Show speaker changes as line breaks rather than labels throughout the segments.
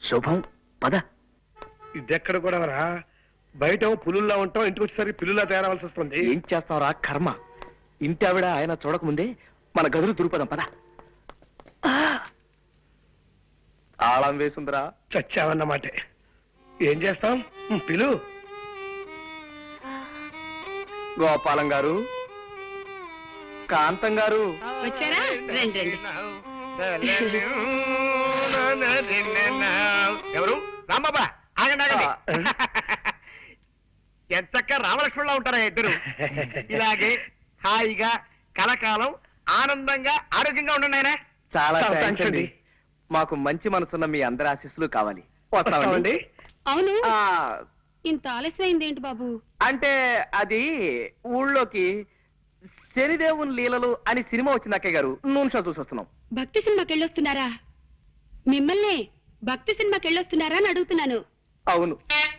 శుభం పద.
ఇదెక్కడ కూడా రా, బయట పులుల్లా ఉంటాం, ఇంటికి వచ్చేసరికి పిల్లులా తయారవలసి వస్తుంది.
ఏం చేస్తావురా కర్మ. ఇంటి ఆవిడ ఆయన చూడకముందే మన గదులు దురుపదాం పద. తాళం వేసుందిరా.
చచ్చావన్నమాటే. ఏం చేస్తాం, పిలు.
గోపాలం గారు, కాంతం గారు
వచ్చారా? రండి రండి.
ఎవరు? రాంబాబా, ఆగండి ఆగండి. ఎంచక్క రామలక్ష్మణులా ఉంటారా ఇద్దరు. ఇలాగే హాయిగా కలకాలం ఆనందంగా ఆరోగ్యంగా ఉండండి ఆయన.
చాలా
చాలా
థాంక్స్
థాంక్స్
అండి. మాకు మంచి మనసున్న మీ అందరి ఆశీస్సులు కావాలి. వస్తామండి.
అవును,
ఆ,
ఇంత ఆలస్యమైంది ఏంటి బాబు?
అంటే అది ఊళ్ళోకి శనిదేవుని లీలలు అని సినిమా వచ్చింది అక్కయ్య గారు. నూనె షో చూసి వస్తున్నాం.
భక్తి సినిమాకి వెళ్ళొస్తున్నారా? మిమ్మల్ని భక్తి సినిమాకి వెళ్ళొస్తున్నారా అని అడుగుతున్నాను.
అవును.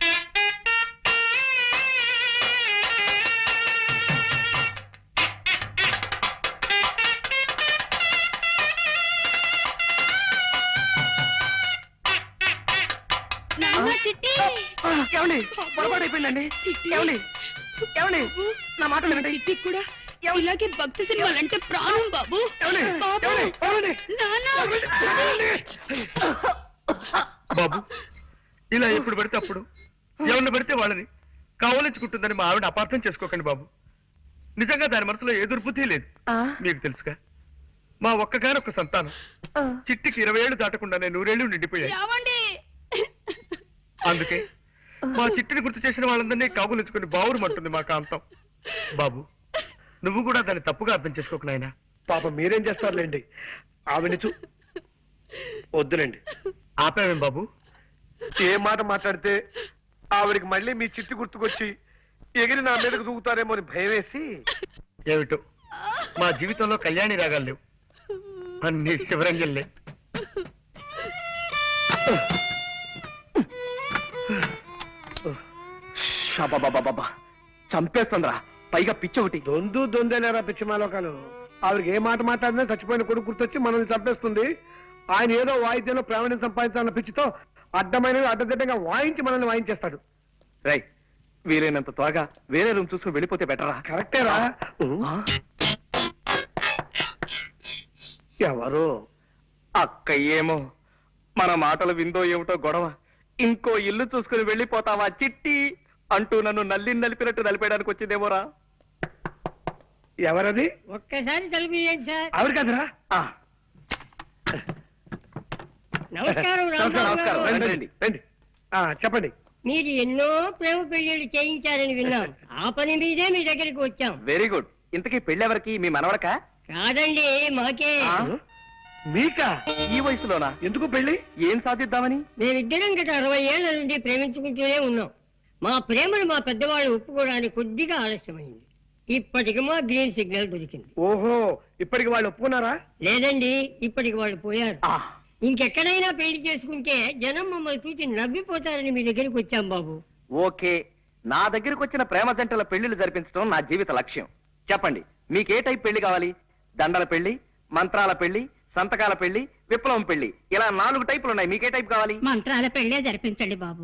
నాన్న, చిట్టి.
ఏమండి పొరపాటు అయిపోయిందండి.
చిట్టి.
ఏమండి ఏమండి నా మాట వినండి.
చిట్టి కూడా ఇలాగే భక్తి సినిమాలంటే ప్రాణం బాబు.
ఏమండి?
బాబు.
ఏమండి? ఏమండి?
నాన్న.
బాబు, ఇలా ఎప్పుడు పడితే అప్పుడు ఎవరిని పడితే వాళ్ళని కావలించుకుంటుందని మా ఆవిడ అపార్థం చేసుకోకండి బాబు. నిజంగా దాని మనసులో ఏ దుర్బుద్ధి లేదు. మీకు తెలుసుగా, మా ఒక్కగానొక్క సంతానం చిట్టికి 20 ఏళ్ళు దాటకుండానే 100 ఏళ్ళు నిండిపోయాయి.
ఏమండి?
అందుకే మా చిట్టిని గుర్తు చేసిన వాళ్ళందరినీ కాగులించుకుని బావురుమంటుంది మా కాంతం. బాబు, నువ్వు కూడా దాన్ని తప్పుగా అర్థం చేసుకోకు నాయనా.
పాప మీరేం చేస్తారులేండి, ఆవిడని వద్దులేండి.
ఆపావేం బాబు?
ఏ మాట మాట్లాడితే ఆవిడికి మళ్ళీ మీ చిట్టి గుర్తుకొచ్చి ఎగిరి నా మీదకు దూకుతారేమో అని భయం వేసి.
ఏమిటో మా జీవితంలో కళ్యాణి రాగాలు లేవు, అన్ని శివరంజల్లే.
షాబాబాబాబా, చంపేస్తుందిరా. పైగా పిచ్చి ఒకటి.
దొందేలేరా పిచ్చిమాలోకాలు. ఆవిడకి ఏ మాట మాట్లాడినా చచ్చిపోయిన కొడుకు గుర్తొచ్చి మనల్ని చంపేస్తుంది. ఆయన ఏదో వాయిద్యంలో ప్రావీణ్యం సంపాదించాలన్న పిచ్చితో అడ్డమైనవి అడ్డదిడ్డంగా వాయించి మనల్ని వాయించేస్తాడు.
రై, వీలైనంత త్వరగా వేరే రూమ్ చూసుకుని వెళ్ళిపోతే బెటరా?
కరెక్టేరా. ఎవరు?
అక్క ఏమో మన మాటలు విందో ఏమిటో గొడవ. ఇంకో ఇల్లు చూసుకుని వెళ్ళిపోతావా చిట్టి అంటూ నన్ను నలిపినట్టు నలిపేయడానికి వచ్చిందేమోరా.
ఎవరది?
ఒక్కసారి తలుపు సార్.
ఆవిడ కదరా?
నమస్కారం
నమస్కారం. రండి, రండి.
రండి. చెప్పండి.
మీరు ఎన్నో ప్రేమ పెళ్లిళ్ళు చేయించారని విన్నాం. ఆ పని మీదే మీ దగ్గరికి వచ్చాం.
Very good. ఇంతకీ పెళ్ళెవరికి? మీ మనవడకా?
కాదండి, మాకే.
మీకా?
ఈ వయసులోనా?
ఎందుకు పెళ్లి?
ఏం సాధిద్దామని?
మేమిద్దరం గత 60 ఏళ్ల నుండి ప్రేమించుకుంటూనే ఉన్నాం. మా ప్రేమను మా పెద్దవాళ్ళు ఒప్పుకోవడానికి కొద్దిగా ఆలస్యమైంది. ఇప్పటికి మా గ్రీన్ సిగ్నల్ దొరికింది.
ఓహో, ఇప్పటికి వాళ్ళు ఒప్పుకున్నారా?
లేదండి, ఇప్పటికి వాళ్ళు పోయారు. ఇంకెక్కడైనా పెళ్లి చేసుకుంటే జనం మమ్మల్ని చూసి నవ్విపోతారని మీ దగ్గరికి వచ్చాం బాబు.
ఓకే, నా దగ్గరకు వచ్చిన ప్రేమ జంటల పెళ్లిళ్ళు జరిపించడం నా జీవిత లక్ష్యం. చెప్పండి, మీకే టైప్ పెళ్లి కావాలి? దండల పెళ్లి, మంత్రాల పెళ్లి, సంతకాల పెళ్లి, విప్లవం పెళ్లి, ఇలా 4 టైపులు ఉన్నాయి. మీకే టైప్ కావాలి?
మంత్రాల పెళ్లే జరిపించండి బాబు.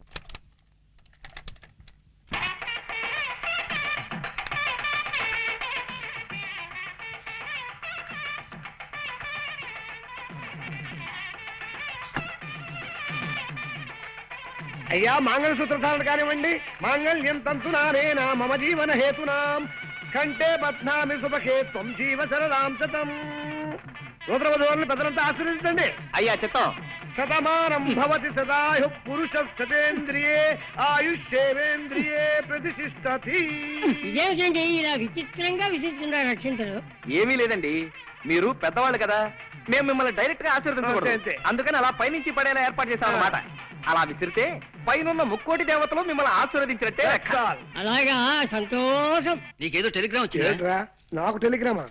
అయ్యా, మంగళసూత్ర ధారణ కానివ్వండి. మాంగళ్యం తంతునానేనా మమ జీవన హేతునాం కంటే బధ్నామి శుభకే త్వం జీవ సరదాం శతం. సూత్ర వధువులను పెద్దలంతా ఆశీర్వదించండి.
అయ్యా చిత్తం.
శతమానం భవతి సదాయు పురుష శతేంద్రియే ఆయుష్యేవేంద్రియే ప్రతిష్ఠతి.
ఇదేమిటండి ఇలా విచిత్రంగా విసిస్తున్నారు అక్షంతలు?
ఏమీ లేదండి, మీరు పెద్దవాళ్ళు కదా, మేము మిమ్మల్ని డైరెక్ట్ గా
అంతే,
ఆశీర్వదించకూడదు.
అంతే.
అందుకని అలా పైనుంచి పడేలా ఏర్పాటు చేశాం అన్నమాట. అలా విసిరితే పైనున్న ముక్కోటి దేవతలు మిమ్మల్ని ఆశీర్వదించినట్టే లెక్క.
అలాగా, సంతోషం.
నీకేదో టెలిగ్రామ్ వచ్చిందా?
ఏంట్రా, నాకు టెలిగ్రామా?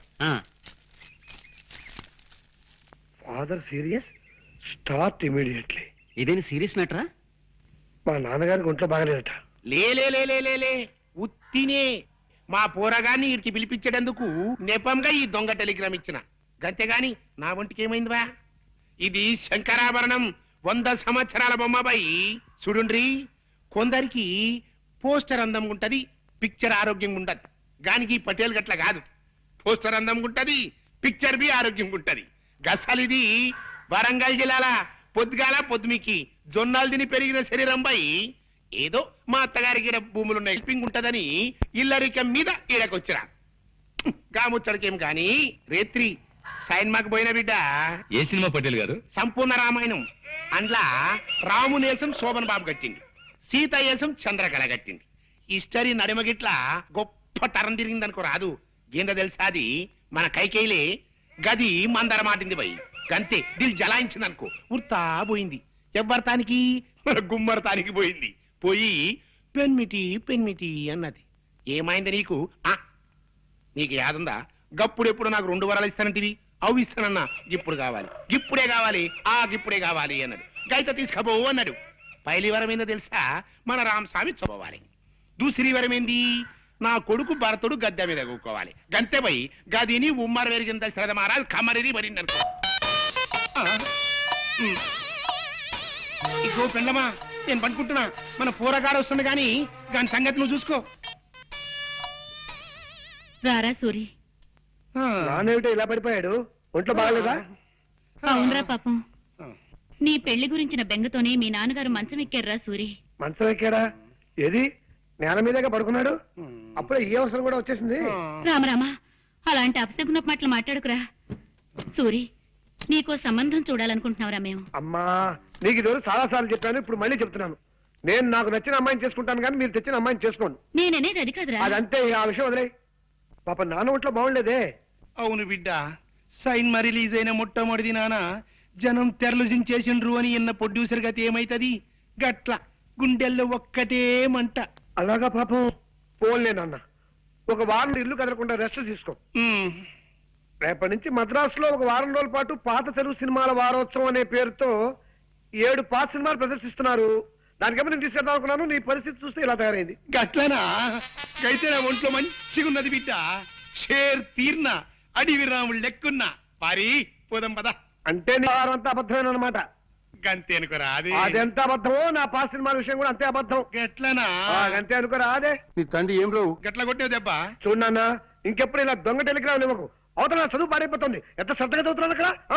Father serious, start immediately.
ఇదేని సీరియస్ మ్యాటరా?
మా నాన్నగారికి ఒంట్లో బాగలేదట.
లే ఉత్తినే మా పోరగాన్ని వీరికి పిలిపించేటందుకు నెపంగా ఈ దొంగ టెలిగ్రామ్ ఇచ్చిన. గంతేగాని నా ఒంటికి ఏమైందివా? ఇది శంకరాభరణం, 100 సంవత్సరాల బొమ్మబాయి చూడుండ్రి. కొందరికి పోస్టర్ అందం ఉంటది, పిక్చర్ ఆరోగ్యంగా ఉండదు. గానికి పటేల్ గట్ల కాదు. పోస్టర్ అందం ఉంటది, పిక్చర్ బి ఆరోగ్యంగా ఉంటది. గసలిది వరంగల్ జిల్లాల పొద్దుగాల పొద్దుమికి జొన్నాలు తిని పెరిగిన శరీరం బాయి. ఏదో మా అత్తగారికి ఈడ భూములున్న హెల్పింగ్ ఉంటదని ఇల్లరికం మీద ఈడకొచ్చిరా. గాముచ్చడికేం గాని రేత్రి సైన్మాకు పోయిన బిడ్డ
ఏ సినిమా పటేల్ గారు?
సంపూర్ణ రామాయణం. అందులో రామునేసం శోభన్ బాబు కట్టింది, సీత ఏసం చంద్రకళ కట్టింది. హిస్టరీ నడిమగిట్ల గొప్ప తరం తిరిగిందనుకో రాదు. ఏందో తెలుసా అది మన కైకేయిలే గది మందర మాటింది పోయి గంతే దిల్ జలాయించింది అనుకో. ఉర్తా పోయింది. ఎవ్వరతానికి మన గుమ్మరతానికి పోయింది. పోయి పెన్మిటి పెన్మిటి అన్నది. ఏమైంది నీకు? నీకు యాదుందా? గప్పుడెప్పుడు నాకు 2 వరాలు ఇస్తానంటివి, అవి ఇస్తానన్నా. ఇప్పుడు కావాలి, ఇప్పుడే కావాలి, ఇప్పుడే కావాలి అన్నాడు. గైత తీసుకపోవు అన్నాడు. పైలి వరం ఏందో తెలుసా? మన రామస్వామి చదవాలి. దూసరి వరం ఏంది? నా కొడుకు భరతుడు గద్దె మీద కూకోవాలి. గంతే పోయి గదిని ఉమ్మర వెరిగింద శ్రద్ధ మహారాజ్ కమరిని మరిందనుకో. ఇగో పెళ్ళమా, నేను పనుకుంటున్నా. మన పూరగాడు వస్తుంది గాని దాని సంగతి నువ్వు చూసుకో.
రారా సూరి.
నానేమిటో ఇలా పడిపోయాడు? ఒంట్లో బాగలేదా?
అవునరా పాపం, నీ పెళ్లి గురించిన బెంగతోనే మీ నాన్నగారు మంచం ఎక్కారురా సూరి.
మంచం ఎక్కాడా? ఏది నేల మీదగా పడుకున్నాడు? అప్పుడే ఈ అవసరం కూడా వచ్చేసింది.
రామరామా, అలాంటి అపశకున మాటలు మాట్లాడుకురా. సూరి, నీకో సంబంధం చూడాలనుకుంటున్నావురా మేము.
అమ్మా, నీకు ఇది చాలా సార్లు చెప్పాను, ఇప్పుడు మళ్ళీ చెప్తున్నాను. నేను నాకు నచ్చిన అమ్మాయిని చేసుకుంటాను కానీ మీరు తెచ్చిన అమ్మాయిని చేసుకోండి.
నేననేది అది కాదురా.
అదంతే, ఆ విషయం వదిలే. పాప నాన్న ఒంట్లో బాగుండేదే.
అవును బిడ్డ, సైన్మా రిలీజ్ అయిన మొట్టమొదటి నాన్న జనం తెరలుజించేసిండ్రు అని ఇన్న ప్రొడ్యూసర్ గతి ఏమైతది? గట్ల గుండెల్లో ఒక్కటే మంట.
అలాగా పాపం. పోన్లే నాన్న, ఒక వారం ఇల్లు కదలకుండా రెస్ట్ తీసుకో. రేపటి నుంచి మద్రాసులో ఒక వారం రోజుల పాటు పాత తెలుగు సినిమాల వారోత్సవం అనే పేరుతో 7 పాత సినిమాలు ప్రదర్శిస్తున్నారు. దానికేమో నేను తీసుకెళ్దాం అనుకున్నాను. నీ పరిస్థితి చూస్తే ఇలా తయారైంది.
గట్లనా? అయితే నా ఒంట్లో మంచిగా ఉన్నది బిడ్డ. షేర్ తీర్న అడివి రాముడు లెక్కున్నా. పారి పోదాం పద.
అంటే నీ వారం అంతా అబద్ధమేనమాట.
గంతే అనుకోరా? అది
అదెంత అబద్ధమో నా పాత సినిమాల విషయం కూడా అంతే అబద్ధం.
గట్లనా?
అంతే అనుకోరా? అదే
నీ తండ్రి ఏం రావు గట్ల కొట్టేవు దెబ్బ.
చూడన్నా, ఇంకెప్పుడు ఇలా దొంగ టెలిగ్రామ్ ఇవ్వకు. అవతల చదువు పాడైపోతుంది. ఎంత శ్రద్ధగా చదువుతున్నాను అక్కడ.